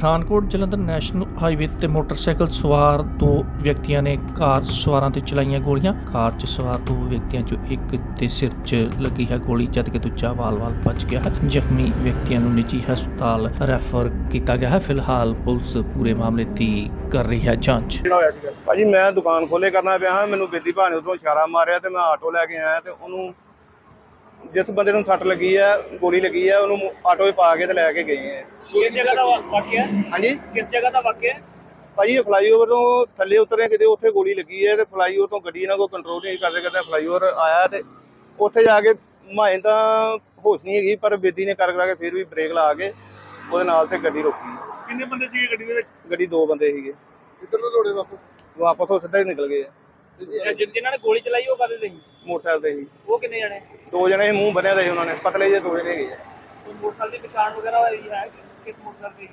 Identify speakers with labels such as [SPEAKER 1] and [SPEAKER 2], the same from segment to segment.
[SPEAKER 1] Pathankot Jalandhar national highway ਤੇ motorcycle ਸਵਾਰ ਦੋ ਵਿਅਕਤੀਆਂ ਨੇ ਕਾਰ ਸਵਾਰਾਂ ਤੇ ਚਲਾਈਆਂ ਗੋਲੀਆਂ। ਕਾਰ 'ਚ ਸਵਾਰ ਦੋ ਵਿਅਕਤੀਆਂ 'ਚੋਂ ਇੱਕ ਦੇ ਸਿਰ 'ਚ ਲੱਗੀ ਹੈ ਗੋਲੀ, ਜਦਕਿ ਦੂਜਾ ਵਾਲ-ਵਾਲ ਬਚ ਗਿਆ ਹੈ। ਜ਼ਖਮੀ ਵਿਅਕਤੀਆਂ ਨੂੰ ਨਿੱਜੀ ਹਸਪਤਾਲ ਰੈਫਰ ਕੀਤਾ ਗਿਆ ਹੈ। ਫਿਲਹਾਲ ਪੁਲਿਸ ਪੂਰੇ ਮਾਮਲੇ ਦੀ ਕਰ ਰਹੀ ਹੈ ਜਾਂਚ।
[SPEAKER 2] ਭਾਜੀ ਮੈਂ ਦੁਕਾਨ ਖੋਲੇ ਕਰਨਾ ਪਿਆ ਹਾਂ, ਮੈਨੂੰ ਬੇਦੀ ਭਾਅ ਨੇ ਉਧਰੋਂ ਇਸ਼ਾਰਾ ਮਾਰਿਆ ਤੇ ਮੈਂ ਆਟੋ ਲੈ ਕੇ ਆਇਆ ਤੇ ਉਹਨੂੰ ਜਿਸ ਬੰਦੇ ਨੂੰ ਸੱਟ ਲੱਗੀ ਹੈ, ਗੋਲੀ ਲੱਗੀ ਹੈ, ਉਹਨੂੰ ਆਟੋ 'ਚ ਪਾ ਕੇ ਤੇ ਲੈ ਕੇ ਗਏ ਹੈ।
[SPEAKER 3] ਕਿਸ ਜਗ੍ਹਾ ਦਾ ਵਾਕਿਆ?
[SPEAKER 2] ਹਾਂਜੀ
[SPEAKER 3] ਕਿਸ ਜਗ੍ਹਾ ਦਾ ਵਾਕਿਆ?
[SPEAKER 2] ਭਾਜੀ ਇਹ ਫਲਾਈਓਵਰ ਤੋਂ ਥੱਲੇ ਉਤਰੇ ਕਿਤੇ ਉੱਥੇ ਗੋਲੀ ਲੱਗੀ ਹੈ ਤੇ ਫਲਾਈਓਵਰ ਤੋਂ ਗੱਡੀ ਨਾਲ ਕੋਈ ਕੰਟਰੋਲ ਨਹੀਂ ਕਰਦੇ ਫਲਾਈਓਵਰ ਆਇਆ ਤੇ ਉੱਥੇ ਜਾ ਕੇ ਮਾਏ ਤਾਂ ਹੋਸ਼ ਨਹੀਂ ਹੈਗੀ, ਪਰ ਬੇਦੀ ਨੇ ਕਰ ਕੇ ਫਿਰ ਵੀ ਬ੍ਰੇਕ ਲਾ ਕੇ ਉਹਦੇ ਨਾਲ ਤੇ ਗੱਡੀ ਰੋਕੀ।
[SPEAKER 3] ਕਿੰਨੇ ਬੰਦੇ ਸੀਗੇ ਗੱਡੀ ਦੇ ਵਿੱਚ?
[SPEAKER 2] ਗੱਡੀ ਦੋ ਬੰਦੇ ਸੀਗੇ।
[SPEAKER 4] ਕਿੱਧਰ ਨੂੰ ਦੌੜੇ
[SPEAKER 2] ਵਾਪਸ ਉਹ ਸਿੱਧਾ ਹੀ ਨਿਕਲ ਗਏ ਆ।
[SPEAKER 3] ਜਿਨ੍ਹਾਂ ਨੇ ਗੋਲੀ ਚਲਾਈ ਉਹ ਕਾਹਦੇ ਤੇ ਸੀ?
[SPEAKER 2] ਮੋਟਰਸਾਈਕਲ ਤੇ ਸੀ।
[SPEAKER 3] ਉਹ ਕਿੰਨੇ ਜਣੇ?
[SPEAKER 2] ਦੋ ਜਣੇ ਸੀ, ਮੂੰਹ ਬੰਨਿਆ ਦਾ ਸੀ ਉਹਨਾਂ ਨੇ, ਪਤਲੇ ਜਿਹੇ ਦੋ ਜਣੇ ਹੈਗੇ ਆ।
[SPEAKER 3] ਉਹ ਮੋਟਰਸਾਈਕਲ ਦੀ ਪਛਾਣ ਵਗੈਰਾ ਹੋਈ ਹੈ? ਕਿਸ ਮੋਟਰਸਾਈਕਲ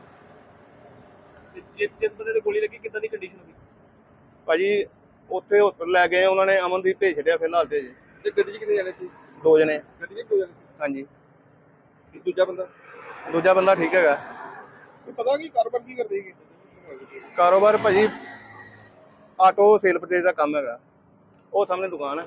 [SPEAKER 3] ਦੀ? ਜਿਸ ਬੰਦੇ ਤੇ ਗੋਲੀ ਲੱਗੀ ਕਿੱਦਾਂ ਦੀ ਕੰਡੀਸ਼ਨ ਹੋਈ?
[SPEAKER 2] ਭਾਜੀ ਉੱਥੇ ਹਸਪਤਾਲ ਲੈ ਗਏ ਉਹਨਾਂ ਨੇ, ਅਮਨਦੀਪ ਭੇਜ ਛੱਡਿਆ ਫਿਲਹਾਲ ਤੇ ਜੀ।
[SPEAKER 4] ਤੇ ਗੱਡੀ 'ਚ ਕਿੰਨੇ ਜਾਣੇ ਸੀ?
[SPEAKER 2] ਦੋ ਜਣੇ।
[SPEAKER 4] ਗੱਡੀ 'ਚ ਦੋ ਜਾਣੇ
[SPEAKER 2] ਹਾਂਜੀ,
[SPEAKER 4] ਸੀ। ਦੂਜਾ ਬੰਦਾ
[SPEAKER 2] ਠੀਕ ਹੈਗਾ।
[SPEAKER 4] ਪਤਾ ਕੀ ਕਾਰੋਬਾਰ ਕੀ ਕਰਦੇ ਸੀਗੇ?
[SPEAKER 2] ਕਾਰੋਬਾਰ ਭਾਜੀ ਆਟੋ ਸੇਲ ਪਰਚੇਜ਼ ਦਾ ਕੰਮ ਹੈਗਾ। ਉਹ ਸਾਹਮਣੇ ਦੁਕਾਨ ਹੈ।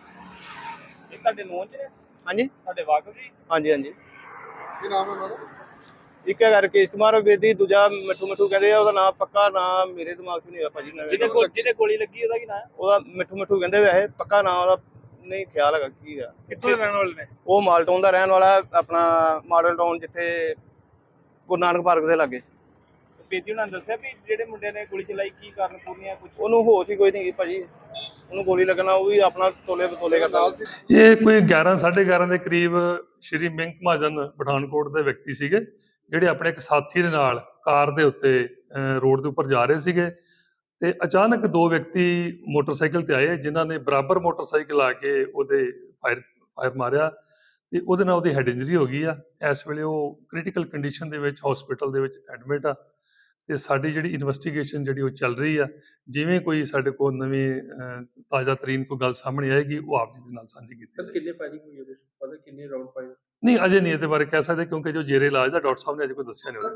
[SPEAKER 3] ਇਹ ਤੁਹਾਡੇ ਨੋਨ ਚ ਨੇ?
[SPEAKER 2] ਹਾਂਜੀ
[SPEAKER 3] ਤੁਹਾਡੇ ਵਾਕਫ ਜੀ?
[SPEAKER 2] ਹਾਂਜੀ ਹਾਂਜੀ।
[SPEAKER 4] ਕੀ ਨਾਮ ਹੈ ਉਹਨਾਂ ਦਾ?
[SPEAKER 2] ਇੱਕ ਹੈਗਾ ਰਕੇਸ਼ ਕੁਮਾਰ ਬੇਦੀ, ਦੂਜਾ ਮਿੱਠੂ ਕਹਿੰਦੇ ਆ। ਉਹਦਾ ਨਾਮ ਪੱਕਾ ਨਾਮ ਮੇਰੇ ਦਿਮਾਗ 'ਚ ਨਹੀਂ ਹੋਇਆ ਭਾਜੀ।
[SPEAKER 3] ਜਿਹਦੇ ਗੋਲੀ ਲੱਗੀ ਉਹਦਾ ਕੀ ਨਾਮ ਹੈ?
[SPEAKER 2] ਉਹਦਾ ਮਿੱਠੂ ਕਹਿੰਦੇ ਵੈਸੇ, ਪੱਕਾ ਨਾਮ ਉਹਦਾ ਨਹੀਂ ਖਿਆਲ ਹੈਗਾ ਕੀ ਆ।
[SPEAKER 3] ਕਿੱਥੋਂ ਦੇ ਰਹਿਣ ਵਾਲੇ ਨੇ?
[SPEAKER 2] ਉਹ ਮਾਲਟਾਊਨ ਦਾ ਰਹਿਣ ਵਾਲਾ, ਆਪਣਾ ਮਾਡਲ ਟਾਊਨ, ਜਿੱਥੇ ਗੁਰੂ ਨਾਨਕ ਪਾਰਕ ਦੇ ਲਾਗੇ।
[SPEAKER 3] ਬੇਦੀ ਉਹਨਾਂ ਨੇ ਦੱਸਿਆ ਵੀ ਜਿਹੜੇ ਮੁੰਡੇ ਨੇ ਗੋਲੀ ਚਲਾਈ ਕੀ ਕਾਰਨ ਪੂਰਨੀਆਂ ਕੁਝ?
[SPEAKER 2] ਉਹਨੂੰ ਹੋਸ਼ ਹੀ ਕੋਈ ਨਹੀਂ ਗਈ ਭਾਜੀ, ਉਹਨੂੰ ਗੋਲੀ ਲੱਗਣਾ ਉਹ ਵੀ ਆਪਣਾ ਤੋਲੇ ਬਤੋਲੇ ਕਰਦਾ।
[SPEAKER 5] ਇਹ ਕੋਈ 11:30 ਦੇ ਕਰੀਬ ਸ਼੍ਰੀ ਮਿੰਕ ਮਹਾਜਨ ਪਠਾਨਕੋਟ ਦੇ ਵਿਅਕਤੀ ਸੀਗੇ, ਜਿਹੜੇ ਆਪਣੇ ਇੱਕ ਸਾਥੀ ਦੇ ਨਾਲ ਕਾਰ ਦੇ ਉੱਤੇ ਰੋਡ ਦੇ ਉੱਪਰ ਜਾ ਰਹੇ ਸੀਗੇ ਤੇ ਅਚਾਨਕ ਦੋ ਵਿਅਕਤੀ ਮੋਟਰਸਾਈਕਲ ਤੇ ਆਏ, ਜਿਨ੍ਹਾਂ ਨੇ ਬਰਾਬਰ ਮੋਟਰਸਾਈਕਲ ਆ ਕੇ ਉਹਦੇ ਫਾਇਰ ਮਾਰਿਆ ਤੇ ਉਹਦੇ ਨਾਲ ਉਹਦੀ ਹੈਡ ਇੰਜਰੀ ਹੋ ਗਈ ਆ। ਇਸ ਵੇਲੇ ਉਹ ਕ੍ਰਿਟੀਕਲ ਕੰਡੀਸ਼ਨ ਦੇ ਵਿੱਚ ਹਸਪੀਟਲ ਦੇ ਵਿੱਚ ਐਡਮਿਟ ਆ ਤੇ ਸਾਡੀ ਜਿਹੜੀ ਇਨਵੈਸਟੀਗੇਸ਼ਨ ਜਿਹੜੀ ਉਹ ਚੱਲ ਰਹੀ ਆ। ਜਿਵੇਂ ਕੋਈ ਸਾਡੇ ਕੋਲ ਨਵੀਂ ਤਾਜ਼ਾ ਤਰੀਨ ਕੋਈ ਗੱਲ ਸਾਹਮਣੇ ਆਏਗੀ ਉਹ ਆਪ ਜੀ ਦੇ ਨਾਲ ਸਾਂਝੀ ਕੀਤੀ ਜਾਏਗੀ।
[SPEAKER 4] ਕਿੰਨੇ ਫਾਇਰਿੰਗ ਹੋਈ ਹੈ? ਪਤਾ ਕਿੰਨੇ ਰਾਉਂਡ ਫਾਇਰ?
[SPEAKER 5] ਨਹੀਂ, ਅਜੇ ਨਹੀਂ ਇਹਦੇ ਬਾਰੇ ਕਹਿ ਸਕਦੇ, ਕਿਉਂਕਿ ਜੋ ਜੇਰੇ ਇਲਾਜ ਦਾ ਡਾਕਟਰ ਸਾਹਿਬ ਨੇ ਅਜੇ ਕੋਈ ਦੱਸਿਆ ਨਹੀਂ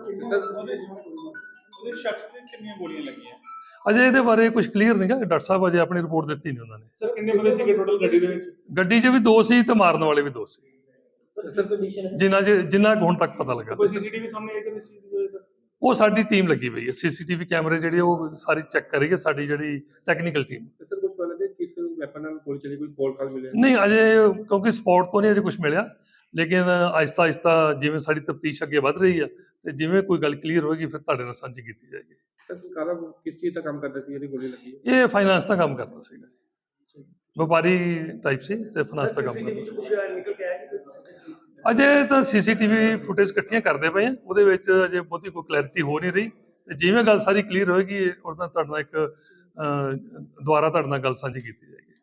[SPEAKER 3] ਉਹਦੇ ਸ਼ਖਸ ਤੇ ਕਿੰਨੀਆਂ ਗੋਲੀਆਂ ਲੱਗੀਆਂ?
[SPEAKER 5] ਅਜੇ ਇਹਦੇ ਬਾਰੇ ਕੁਝ ਕਲੀਅਰ ਨਹੀਂ ਗਾ। ਡਾਕਟਰ ਸਾਹਿਬ ਅਜੇ ਆਪਣੀ ਰਿਪੋਰਟ ਦਿੱਤੀ ਨਹੀਂ ਉਹਨਾਂ ਨੇ।
[SPEAKER 3] ਸਰ ਕਿੰਨੇ ਬੰਦੇ ਸੀਗੇ ਟੋਟਲ ਗੱਡੀ ਦੇ ਵਿੱਚ?
[SPEAKER 5] ਗੱਡੀ 'ਚ ਵੀ ਦੋ ਸੀ ਤੇ ਮਾਰਨ ਵਾਲੇ ਵੀ ਦੋ ਸੀ,
[SPEAKER 3] ਸਰ ਕੰਡੀਸ਼ਨ
[SPEAKER 5] ਜਿੰਨਾ ਕੁ ਹੁਣ ਤੱਕ ਪਤਾ ਲੱਗਾ।
[SPEAKER 3] ਕੋਈ ਸੀਸੀਟੀਵੀ ਸਾਹਮਣੇ ਆਈ ਸੀ ਇਸ ਚੀਜ਼ ਦੀ?
[SPEAKER 5] ਉਹ ਸਾਡੀ ਟੀਮ ਲੱਗੀ ਪਈ ਹੈ, ਸੀਸੀਟੀਵੀ ਕੈਮਰੇ ਜਿਹੜੇ ਉਹ ਸਾਰੀ ਚੈੱਕ ਕਰ ਰਹੀ ਹੈ ਸਾਡੀ ਜਿਹੜੀ ਟੈਕਨੀਕਲ ਟੀਮ।
[SPEAKER 4] ਸਰ ਕੁਝ ਪਤਾ ਲੱਗੇ ਕਿਸ ਵੈਪਨ ਨਾਲ ਗੋਲੀ ਚੱਲੀ? ਕੋਈ ਕੋਲ ਕਾਲ ਮਿਲਿਆ?
[SPEAKER 5] ਨਹੀਂ, ਅਜੇ ਕਿਉਂਕਿ ਸਪੌਟ ਤੋਂ ਨਹੀਂ ਅਜੇ ਕੁਝ ਮਿਲਿਆ, ਲੇਕਿਨ ਆਹਿਸਤਾ ਜਿਵੇਂ ਸਾਡੀ ਤਫਤੀਸ਼ ਅੱਗੇ ਵੱਧ ਰਹੀ ਹੈ ਤੇ ਜਿਵੇਂ ਕੋਈ ਗੱਲ ਕਲੀਅਰ ਹੋਏਗੀ ਫਿਰ ਤੁਹਾਡੇ ਨਾਲ ਸਾਂਝੀ ਕੀਤੀ ਜਾਏਗੀ।
[SPEAKER 4] ਸਰ ਕਾਰਾ ਕਿਸ ਚੀਜ਼ ਦਾ ਕੰਮ ਕਰਦਾ ਸੀ ਜਿਹੜੀ ਗੋਲੀ ਲੱਗੀ?
[SPEAKER 5] ਇਹ ਫਾਈਨਾਂਸ ਦਾ ਕੰਮ ਕਰਦਾ ਸੀਗਾ ਜੀ, ਵਪਾਰੀ ਟਾਈਪ ਸੀ ਤੇ ਫਾਈਨਾਂਸ ਦਾ ਕੰਮ ਕਰਦਾ ਸੀ।
[SPEAKER 3] ਨਿਕਲ ਕੇ ਆਇਆ
[SPEAKER 5] ਅਜੇ ਤਾਂ ਸੀਸੀਟੀਵੀ ਫੁਟੇਜ ਇਕੱਠੀਆਂ ਕਰਦੇ ਪਏ ਆ, ਉਹਦੇ ਵਿੱਚ ਅਜੇ ਬਹੁਤੀ ਕੋਈ ਕਲੈਰਿਟੀ ਹੋ ਨਹੀਂ ਰਹੀ ਤੇ ਜਿਵੇਂ ਗੱਲ ਸਾਰੀ ਕਲੀਅਰ ਹੋਏਗੀ ਉਹਦਾ ਤੁਹਾਡੇ ਨਾਲ ਇੱਕ ਦੁਬਾਰਾ ਤੁਹਾਡੇ ਨਾਲ ਗੱਲ ਸਾਂਝੀ ਕੀਤੀ ਜਾਏਗੀ।